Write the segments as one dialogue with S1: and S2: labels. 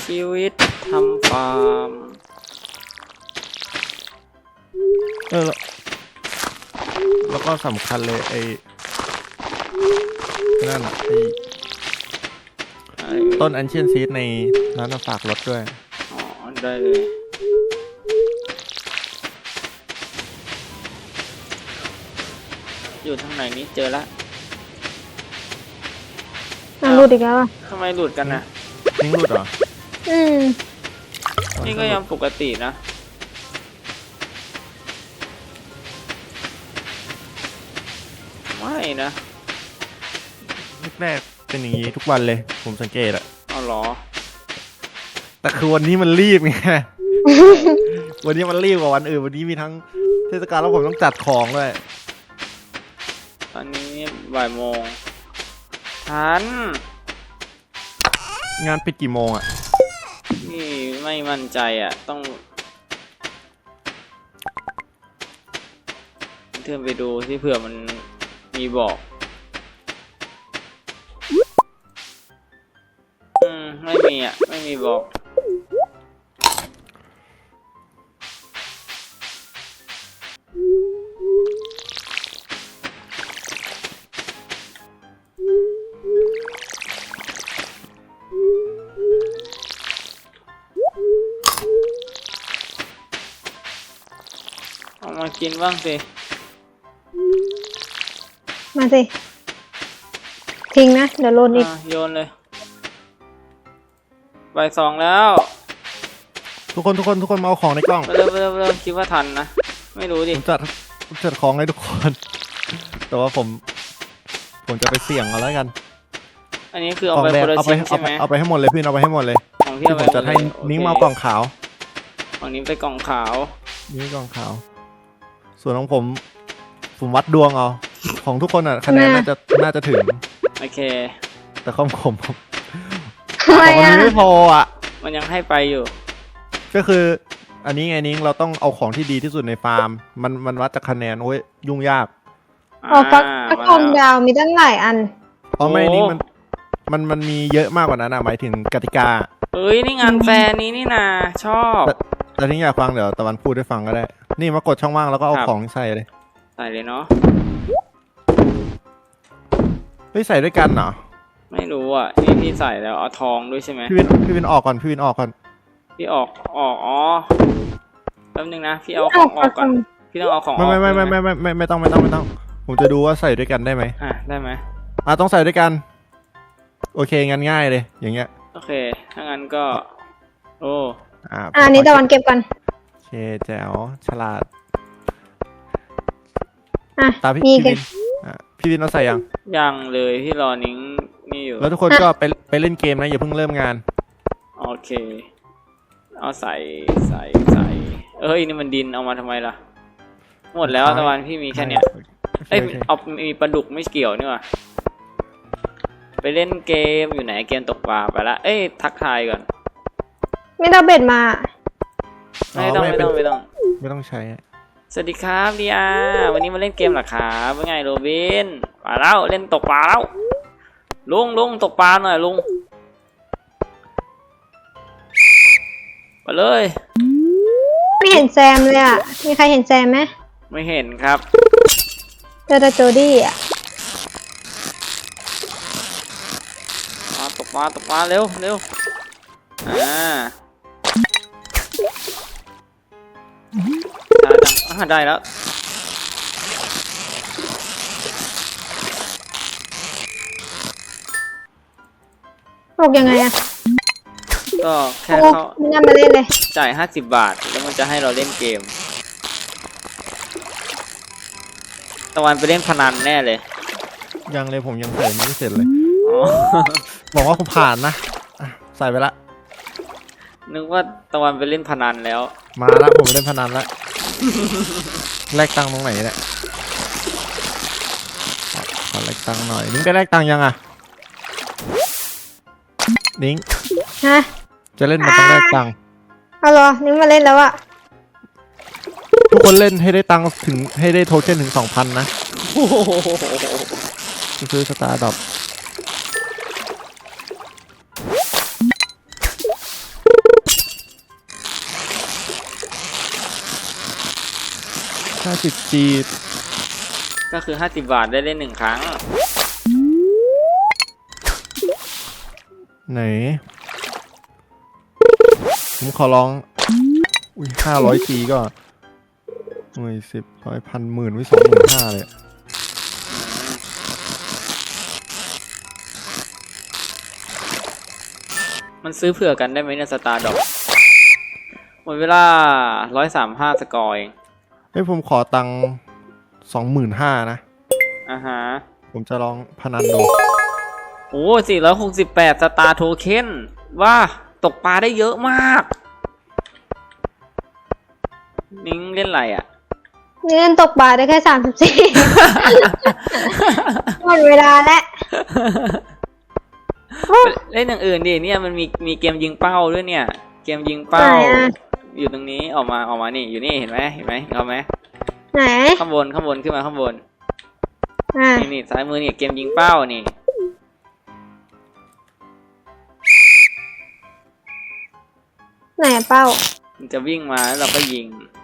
S1: ชีวิตทำฟาร์ม
S2: แล้วก็สำคัญเลยไอ้นั่นไอ้ต้นอัญเชียนซีดในร้านฝากรถด้วย
S1: อ๋อได้เลยอยู่ทางไหนนี้เจอละ
S3: หลุดอีกแล้วอ่ะ
S1: ทำไมหลุดกันนะ
S2: นิ่งหลุดเหรอ
S1: นี่ก็ยังปกตินะไม่นะ
S2: แรกเป็นอย่างนี้ทุกวันเลยผมสังเกตอะ
S1: อ๋อเหรอ
S2: แต่คือวันนี้มันรีบไง วันนี้มันรีบกว่าวันอื่นวันนี้มีทั้งเทศกาลแล้วผมต้องจัดของด้วย
S1: ตอนนี้บ่ายโมงทัน
S2: งานปิดกี่โมงอ่ะ
S1: นี่ไม่มั่นใจอ่ะต้องเทื่อนไปดูที่เผื่อมันมีบอกไม่มีอ่ะไม่มีบอกเอามากินบ้างสิ
S3: มาสิทิ้งนะเดี๋ยวโลนอีก
S1: โยนเลยบ่ายสองแล้ว
S2: ทุกคนมาเอาของในกล่อง
S1: เริ่มคิดว่าทันนะไม่รู้ดิ
S2: ผมจัดของให้ทุกคนแต่ว่าผมจะไปเสี่ยงเอาแล้วกัน
S1: อันนี้คือเอาไปคนละชิ้นใช่ไหม
S2: เอาไปให้หมดเลยพี่เอาไปให้หมดเลย
S1: ของพี่
S2: ผมจะให้นิ้งมากล่องขาว
S1: ของนิ้งไปกล่องขาว
S2: นิ้งกล่องขาวส่วนของผมวัดดวงเอาของทุกคนอ่ะคะแนนน่าจะถึง
S1: โอเค
S2: แต่ของผมมันไม่พออ่ะ
S1: มันยังให้ไปอยู่
S2: ก็คืออันนี้ไงนิ้งเราต้องเอาของที่ดีที่สุดในฟาร์มมันวัดจากคะแนนโอ้ยยุ่งยาก
S3: ฟักทองดาวมีตั้งหลายอัน
S2: เพราะไม่นิ้งมันมีเยอะมากกว่านั้นนะหมายถึงกติกา
S1: เอ้ยนี่งานแฟนนี้นี่นาชอบ
S2: แต่ที่อยากฟังเดี๋ยวตะวันพูดให้ฟังก็ได้นี่มากดช่องว่างแล้วก็เอาของใส่เลย
S1: ใส่เลยเนาะ
S2: เฮ้ยใส่ด้วยกันเหรอ
S1: ไม่รู้อ่ะนี่พี่ใส่แล้วเอาทองด้วยใช่ไหม
S2: พี่วินออกก่อนพี่ออก
S1: อ๋อแป๊บนึงนะพี่เอาของออกก่อนพี่ต้องเอาของออก
S2: ไม่ต้องผมจะดูว่าใส่ด้วยกันได้ไหม
S1: ได้ไหม
S2: ต้องใส่ด้วยกันโอเคงั้นง่ายเลยอย่างเงี้ย
S1: โอเคถ้างั้นก็โอ้
S3: อันนี้ตะวันเก็บกัน
S2: โอเคแจ๋วฉลาดตาพี่วินเราใส่
S1: ยังเลยพี่รอนิ้งนี่อยู่
S2: แล้วทุกคนก็ไปเล่นเกมนะอย่าเพิ่งเริ่มงาน
S1: โอเคเอาใส่นี่มันดินเอามาทำไมล่ะหมดแล้วตะวันพี่มีแค่เนี้ยเอามีปลาดุกไม่เกี่ยวนี่หว่าไปเล่นเกมอยู่ไหนเกมตกปลาไปละทักทายก่อน
S3: ไม่ต้องเบ็ดมา
S1: ไม่
S2: ต้องใช้
S1: สวัสดีครับดีอาวันนี้มาเล่นเกมหรอครับว่าไงโรบินมาแล้วเล่นตกปลาแล้วลุงตกปลาหน่อยลุงมาเลย
S3: ไม่เห็นแซมเลยอ่ะมีใครเห็นแซมไหม
S1: ไม่เห็นครับ
S3: เจอแต่โจดี้อ่ะ
S1: ตกปลาเร็วได้แล้ว
S3: ตกยังไงอะ
S1: ก็แค่เขา
S3: ไม่น่ามาเล่นเลย
S1: จ่าย50 บาทแล้วมันจะให้เราเล่นเกมตะวันไปเล่นพนันแน่เลย
S2: ยังเลยผมยังใส่ไม่เสร็จเลยบอกว่าผมผ่านนะใส่ไปละ
S1: นึกว่าตะวันไปเล่นพนันแล้ว
S2: มาแล้วผมไปเล่นพนันแล้วแลกตังค์ตรงไหนเนี่ยขอแลกตังค์หน่อยนิ้งไปแลกตังค์ยังอ่ะนิ้งจะเล่นมันต้องแลกตังค์
S3: เอาเหรอนิ้งมาเล่นแล้วอะ
S2: ทุกคนเล่นให้ได้ตังค์ถึงให้ได้โทเค็นถึง 2,000 นะซื้อสตาร์ดอป 50 จีด
S1: ก็คือ50 บาทได้เล่น1 ครั้ง
S2: ไหน ผมขอลอง อุ้ย500 จีก็หน่วย10 100 พันหมื่นวิ25,000เลย
S1: มันซื้อเผื่อกันได้ไหมเนี่ยสตาร์ดอกหมดเวลา135 สกอร์เอง
S2: เฮ้ยผมขอตังค์25,000นะ
S1: อ่าฮะ
S2: ผมจะลองพนันดู
S1: โอ้468 สตาร์โทเค็นว่าตกปลาได้เยอะมาก นิ้งเล่นอะไรอ่ะ
S3: เงินตกบาทได้แค่34 หมดเวลาแล้ว
S1: เล่นอย่างอื่นดิเนี่ยมันมีเกมยิงเป้าด้วยเนี่ย เกมยิงเป้า
S3: ไหนอะ
S1: อยู่ตรงนี้ออกมานี่อยู่นี่เห็นไหมเห็นเขาไหม
S3: ไหน
S1: ข้างบนขึ้นมาข้างบน
S3: อ่า
S1: นี่ซ้ายมือเนี่ยเกมยิงเป้านี่
S3: ไหนอะเป้า
S1: มันจะวิ่งมาแล้วเราก็ยิง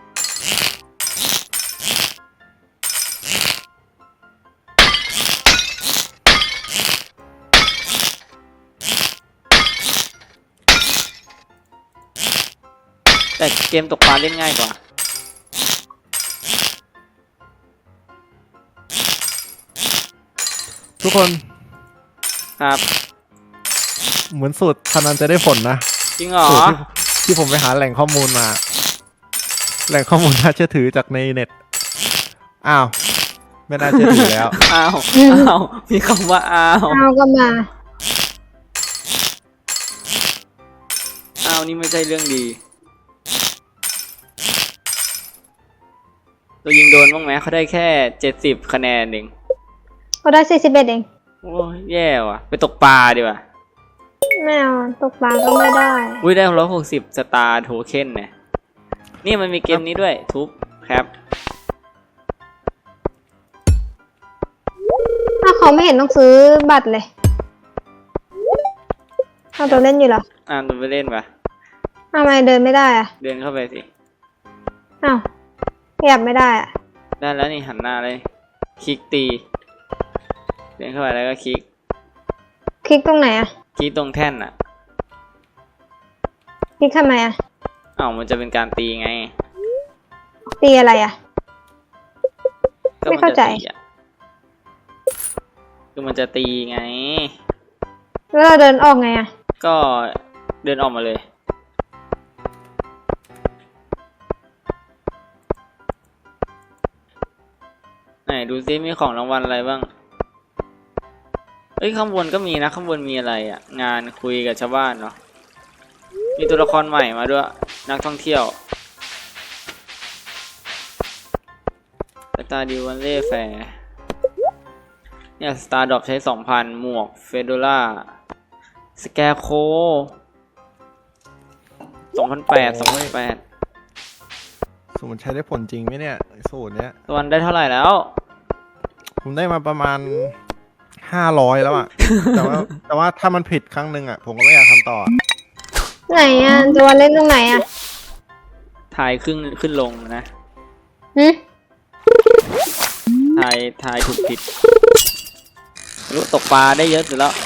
S1: แต่เกมตกปลาเล่นง่ายกว่า
S2: ทุกคน
S1: ครับ
S2: เหมือนสูตรพนันจะได้ผลนะ
S1: จริงเหรอ
S2: สูตรที่ผมไปหาแหล่งข้อมูลมา แหล่งข้อมูลน่าเชื่อถือจากในเน็ต อ้าว ไม่น่าเชื่อถือแล้ว
S1: อ้าวมีคำว่าอ้าว
S3: เอาก็มา
S1: อ้าวนี่ไม่ใช่เรื่องดีเรายิงโดนบ้างไหมเขาได้แค่70 คะแนนเอง
S3: ก็ได้41เอง
S1: โอ้ยแย่ว่ะไปตกปลาดีกว่า
S3: ไม่เอาตกปลาก็ไม่ได้
S1: อุ้ยได้160 สตาร์โทเค็นเนี่ยนี่มันมีเกมนี้ด้วยทุบครับ
S3: ถ้าเขาไม่เห็นต้องซื้อบัตรเลยเอาตัวเล่นอยู่เหรอ
S1: ตัวไปเล่นปะ
S3: ทำไมเดินไม่ได้อะ
S1: เดินเข้าไปสิ
S3: อ้าวขยับไม่ได้อะ
S1: ได้แล้วนี่หันหน้าเลยคลิกตีเดินเข้าไปแล้วก็คลิก
S3: คลิกตรงไหนอะ
S1: คลิกตรงแท่นอ่ะ
S3: คลิกทำไมอะ
S1: มันจะเป็นการตีไง
S3: ตีอะไรอะ
S1: ก็
S3: ไม่
S1: มัน
S3: เข้า
S1: จะ
S3: ใจ
S1: ตีอ่ะคือมันจะตีไง
S3: แล้วเราเดินออกไงอะ
S1: ก็เดินออกมาเลยไหนดูซิมีของรางวัลอะไรบ้างเอ้ยข้างบนก็มีนะข้างบนมีอะไรอ่ะงานคุยกับชาวบ้านเนาะมีตัวละครใหม่มาด้วยนักท่องเที่ยวสตาร์ดิวันเล่แฟร์เนี่ยสตาร์ดรอปใช้ 2,000 หมวกเฟโดล่าสแกร์โค2008
S2: สูตรมันใช้ได้ผลจริงไหมเนี่ยสูตรเนี้ย
S1: ตัวนั้นได้เท่าไหร่แล้ว
S2: ผมได้มาประมาณ500แล้วอะแต่ว่าถ้ามันผิดครั้งหนึ่งอะผมก็ไม่อยากทำต่อ
S3: ไหนอะตัวเล่นตรงไหนอะ
S1: ทายขึ้นลงนะ
S3: หึ
S1: ทายถูกผิดรู้ตกปลาได้เยอะสุดแล้ว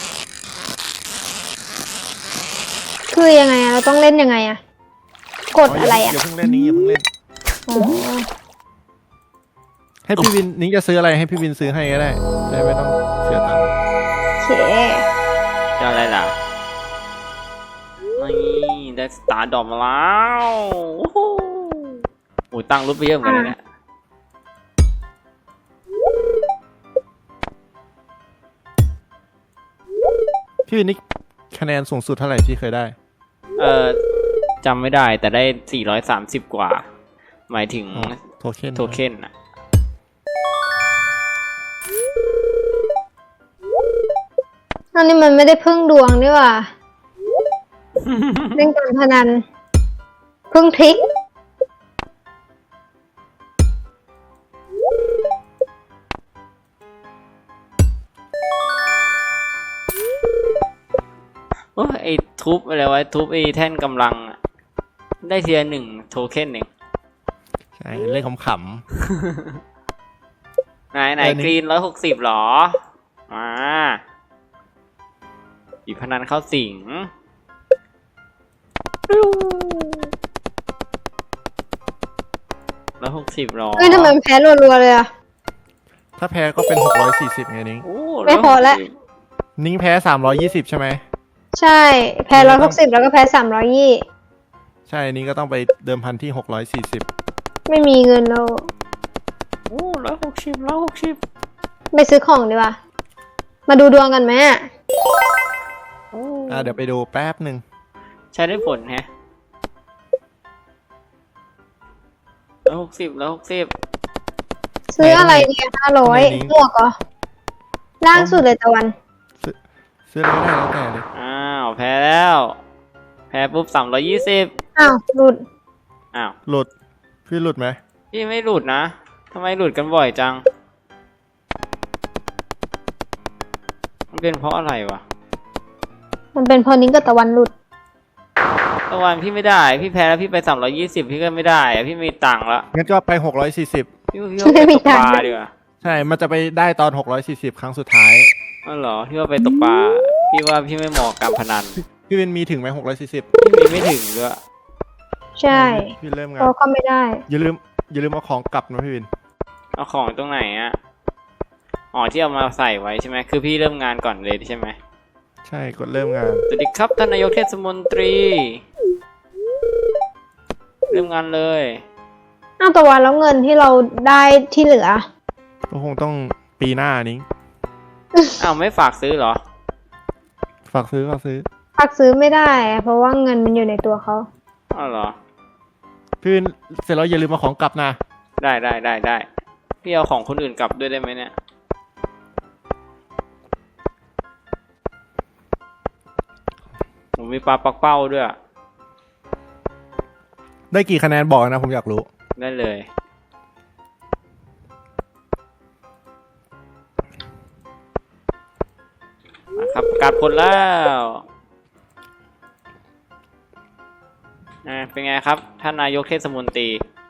S3: คือยังไงอะเราต้องเล่นยังไงอะกดอะไรอะ
S2: อย่าเพิ่งเล่นนี้อย่าเพิ่งเล่น
S3: อ๋อ
S2: ให้พี่วินนิ้งจะซื้ออะไรให้พี่วินซื้อให้ก็ได้จะได้ไม่ต้องเสียตังค์
S3: โอเค
S1: จะอะไรล่ะนี่ได้สตาร์ดอปมาแล้วโอ้โหโอ้ยตั้งรถไปเยอะเหมือนกันนะเนี่ย
S2: พี่วินนี่คะแนนสูงสุดเท่าไหร่ที่เคยได้
S1: จำไม่ได้แต่ได้430 กว่า หมายถึง
S2: โทเค็น
S1: โทเค็นอะ
S3: อันนี้มันไม่ได้พึ่งดวงนี่หว่า เล่นการพนันพึ่งทริก
S1: โอ้ยไอ้ทุบอะไรวะทุบไอ้แท่นกำลังอะได้ทีละ1 โทเค็นเอง
S2: เล่นขำ
S1: ไหนกรีน160หรอมาหยิบพนันเข้าสิง160หรอ
S3: เฮ้ยทำไมมันแพ้รัวๆเลยอะ
S2: ๆถ้าแพ้ก็เป็น640ไงนิ้ง
S1: โอ้
S3: ไม่พอแล้ว
S2: นิ้งแพ้320ใช่ไหม
S3: ใช่ แพ้160แล้วก็แพ้320
S2: ใช่นิ้งก็ต้องไปเดิมพันที่640
S3: ไม่มีเงินแล้ว
S1: โอ้160
S3: ไปซื้อของดีกว่า มาดูดวงกันไหมอะ
S1: โอ้
S2: เดี๋ยวไปดูแป๊บหนึ่ง
S1: ใช้ได้ผลแฮะ160
S3: ซื้ออะไรดี500หมวกเหรอล่างสุดเลยตะวัน
S2: ซื้ออะไรก็ได้แล้วแต่เลย
S1: อ้าวแพ้แล้ว แพ้ปุ๊บ320
S3: อ้าวหลุด
S1: อ้าว
S2: หลุดพี่หลุดไหม
S1: พี่ไม่หลุดนะทำไมหลุดกันบ่อยจังมันเป็นเพราะอะไรวะ
S3: มันเป็นเพอนิ้งกับตะวันหลุด
S1: ตะวันพี่ไม่ได้พี่แพ้แล้วพี่ไป320พี่ก็ไม่ได้อะพี่ไม่มีตังค์ละ
S2: งั้นก็ไป640
S1: พี่ว่าไปตกปลาดีกว่า
S2: ใช่ มันจะไปได้ตอน640ครั้งสุดท้าย
S1: อ๋อเหรอพี่ว่าไปตกปลาพี่ว่าพี่ไม่เหมาะกับการพนัน
S2: พี่วินมีถึงไหม640
S1: พี่มีไม่ถึงด้วย
S3: ใช่
S2: พี่เริ่มงา
S3: เพ
S2: น
S3: ราะเข้าไม่ได้
S2: อย่าลืมเอาของกลับนะพี่วิน
S1: เอาของตรงไหนอะอ๋อที่เอามาใส่ไว้ใช่ไหมคือพี่เริ่มงานก่อนเลยใช่ไหม
S2: ใช่กดเริ่มงาน
S1: สวัสดีครับท่านนายกเทศมนตรี เริ่มงานเลย
S3: อ้าวตะวันแล้วเงินที่เราได้ที่เหลือ
S2: ก็คงต้องปีหน้านี้
S1: อ้าวไม่ฝากซื้อเหรอ
S2: ฝากซื้อ
S3: พักซื้อไม่ได้อะเพราะว่าเงินมันอยู่ในตัวเขา
S1: อ้าวเหรอ
S2: พี่วินเสร็จแล้วอย่าลืมเอาของกลับนะ
S1: ได้พี่เอาของคนอื่นกลับด้วยได้ไหมเนี่ยผมมีปลาปักเป้าด้วย
S2: ได้กี่คะแนนบอกนะผมอยากรู้
S1: ได้เลยครับประกาศผลแล้วเป็นไงครับท่านนายกเทศมนตรี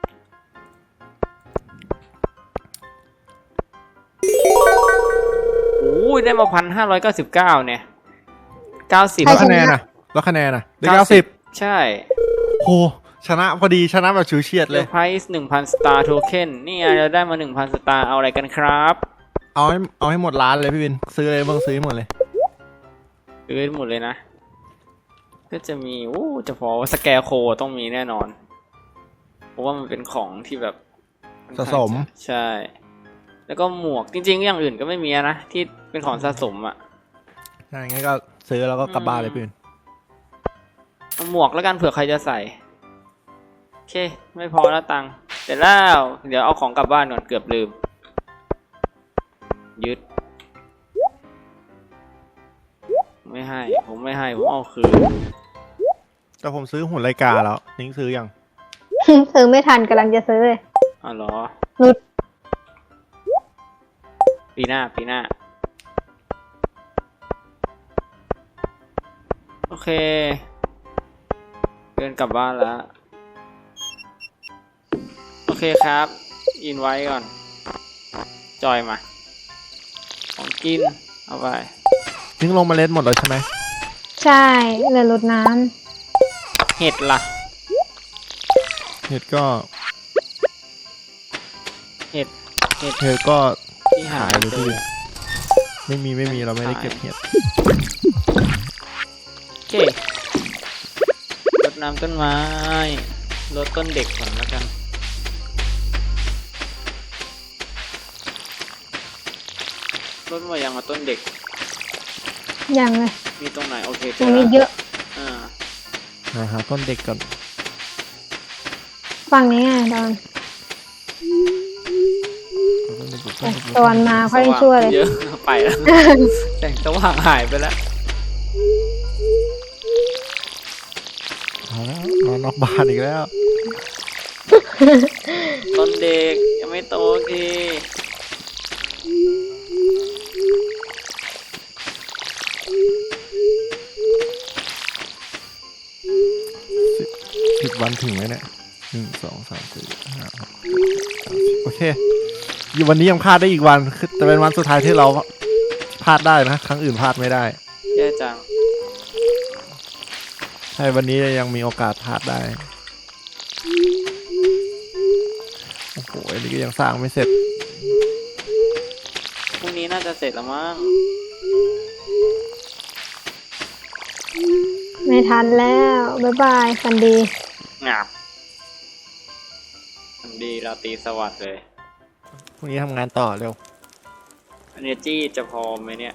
S1: โอ้ยได้มา1,599เนี่ย90
S2: แล้วคะแนนน่ะได้90
S1: ใช่
S2: โหชนะพอดีชนะแบบฉิวเฉียด
S1: เล
S2: เลย ย
S1: ไพรส์1,000 star token นี่ไงเราได้มา 1,000 star เอาอะไรกันครับ
S2: เอาให้หมดร้านเลยพี่วินซื้ออะไรบ้างซื้อให้หมดเลย
S1: ซื้อหมดเลยนะ ก็จะมีจะพอว่าสแกร์โคต้องมีแน่นอน เพราะว่ามันเป็นของที่แบบ
S2: สะสม
S1: ใช่ แล้วก็หมวกจริงๆอย่างอื่นก็ไม่มีนะที่เป็นของสะสมอ่ะ
S2: ใช่งั้นก็ซื้อแล้วก็กลับบ้านเลยพี่วิน
S1: เอาหมวกแล้วกันเผื่อใครจะใส่โอเคไม่พอแล้วตังค์เสร็จแล้ว เดี๋ยวเอาของกลับบ้านก่อนเกือบลืมยึดผมไม่ให้ผมเอาคืน
S2: แต่ผมซื้อหุ่นรายกาแล้วนิ้งซื้อยัง
S3: ซื้อไม่ทันกำลังจะซื้อเลย
S1: อ๋อเหรอ
S3: หลุด
S1: ปีหน้าโอเคเดินกลับบ้านแล้วโอเคครับอินไว้ก่อนจอยมาของกินเอาไป
S2: นิ้งลงเมาเล็ดหมดเลยใช่ไหม
S3: ใช่เหลือลดน้
S1: เห็ดล่ะ
S2: เห็ดก็
S1: เห็ด
S2: ก็
S1: ที่หา
S2: หายเลย
S1: เจ
S2: พี่
S1: อ
S2: ไม่มีเราไม่ได้เก็บเห็ด
S1: โอเครดน้ำต้นไม้รดต้นเด็กก่อนแล้วกันรดมายังมาต้นเด็ก
S3: ำยังเลย
S1: มีตรงไหนโอเคเจ
S3: ยั
S1: อง
S3: มี
S1: แล้ว
S3: เยอะ
S2: หาต้นเด็กก่อน
S3: ฝั่งนี้ไงตอนตอนมาค่อยช่วยเลย
S1: เยอะไปแล้วแสงสว่างหายไปแล้ว
S2: เอาแล้วนอนนอกบ้านอีกแล้ว
S1: ต้นเด็กยังไม่โตที
S2: 10 วันถึงไหมเนี่ย 1 2 3 4 5 6 โอเคอยู่วันนี้ยังพลาดได้อีกวันคือจะเป็นวันสุดท้ายที่เราพลาดได้นะครั้งอื่นพลาดไม่ได้
S1: แย่จัง
S2: ใช่วันนี้ยังมีโอกาสพลาดได้โอ้โหอันนี้ก็ยังสร้างไม่เสร็จ
S1: พรุ่งนี้น่าจะเสร็จแล้วมั้ง
S3: ไม่ทันแล้ว บ๊ายบายฝันดี
S1: งับดีเราตรีสวัสดิ์เลย
S2: พรุ่งนี้ทำงานต่อเร็ว
S1: Energy จะพอไหมเนี่ย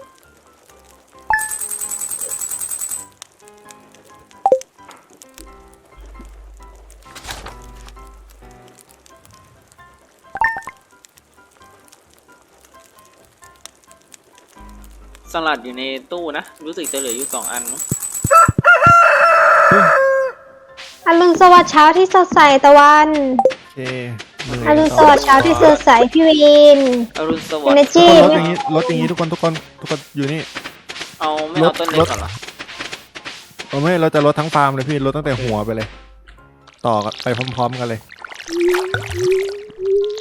S1: สลัดอยู่ในตู้นะ รู้สึกจะเหลืออยู่2 อันมั้ง
S3: อรุณสวัสดิ์เช้าที่สดใสตะวัน
S2: โอเค
S3: อรุณสวัสดิ์เช้าที่สดใสพี่วิน
S1: อรุณสวัส
S3: เอเน
S1: ดิ์
S3: จี
S2: รถอย่างนี้ทุกคนอยู่นี่
S1: ไม่เอาต้นเล็กก่อนเหรอ
S2: ไม่เราจะลดทั้งฟาร์มเลยพี่ลดตั้งแต่หัวไปเลย ต่อกันไปพร้อมๆกันเลย